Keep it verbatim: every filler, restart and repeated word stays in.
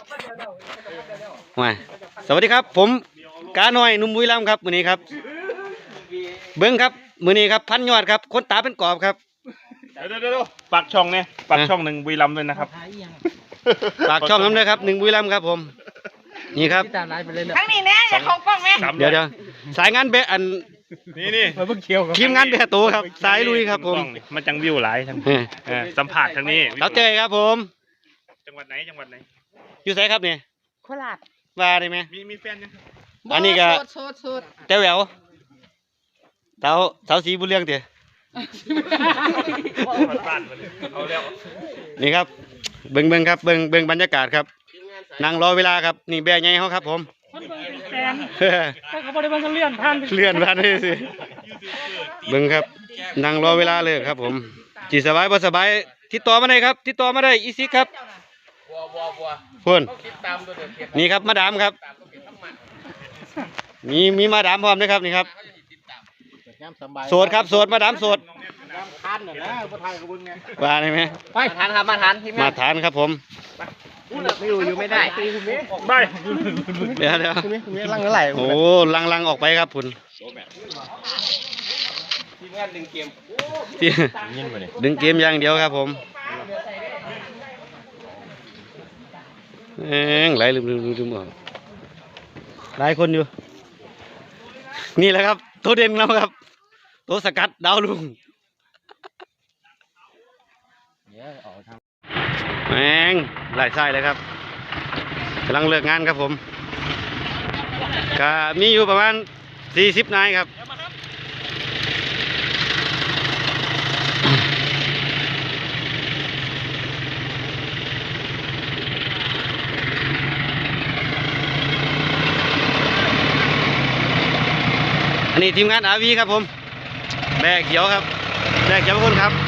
มาสวัสดีครับผมกาหน่อยนุ่มบุรีรัมย์ครับมื้อนี้ครับเบิ้งครับมื้อนี้ครับพันยอดครับคนตาเป็นกรอบครับเดี๋ยวเดี๋ยวปากช่องเนี่ยปากช่องหนึ่งบุรีรัมย์ด้วยนะครับปากช่องน้ำเลยครับหนึ่งบุรีรัมย์ครับผมนี่ครับทั้งนี้แน่อย่าเขากล้องแม่เดี๋ยวเดี๋ยวสายงานเบะอันนี่นี่มาเพิ่งเคียวทีมงานเบะตัวครับสายลุยครับผมมันจังวิวหลายทั้งสัมผัสทั้งนี้เราเจอครับผมจังหวัดไหนจังหวัดไหนอยู่ไสครับเนี่ยโคราชว่าได้ไหมมีมีแฟนยังอันนี้ก็เจ้าแหววเต้าเต้าสีบุญเรื่องเตี๋ยนี่ครับเบิ่งเบิ่งครับเบิ่งเบิ่งบรรยากาศครับนั่งรอเวลาครับนี่แบะใหญ่เขาครับผมเขาบริวารเลื่อนผ่านเลื่อนผ่านเลยสิเบิ่งครับนั่งรอเวลาเลยครับผมจีสบายบ่สบายติดต่อมาได้ครับติดต่อมาได้อีซิกครับพูนนี่ครับมาดามครับมีมีมาดามพร้อมนะครับนี่ครับโสดครับโสดมาดามโสดว่าได้ไหมมาทานครับมาทานที่มาทานครับผมไม่อยู่อยู่ไม่ได้ไม่เดี๋ยวเดี๋ยวลังเท่าไหร่โอ้ลังลังออกไปครับคุณทีมงานดึงเกมดึงเกมอย่างเดียวครับผมเอ็งไหลลืมลืมลืมออกหลายคนอยู่นี่แหละครับตัวเด่นเราครับตัวสกัดดาวลุงแม่งหลายไส้เลยครับกำลังเลิกงานครับผมก็มีอยู่ประมาณสี่สิบนายครับอันนี้ทีมงานอาวีครับผมแบกเขียวครับแบกเขียวคนครับ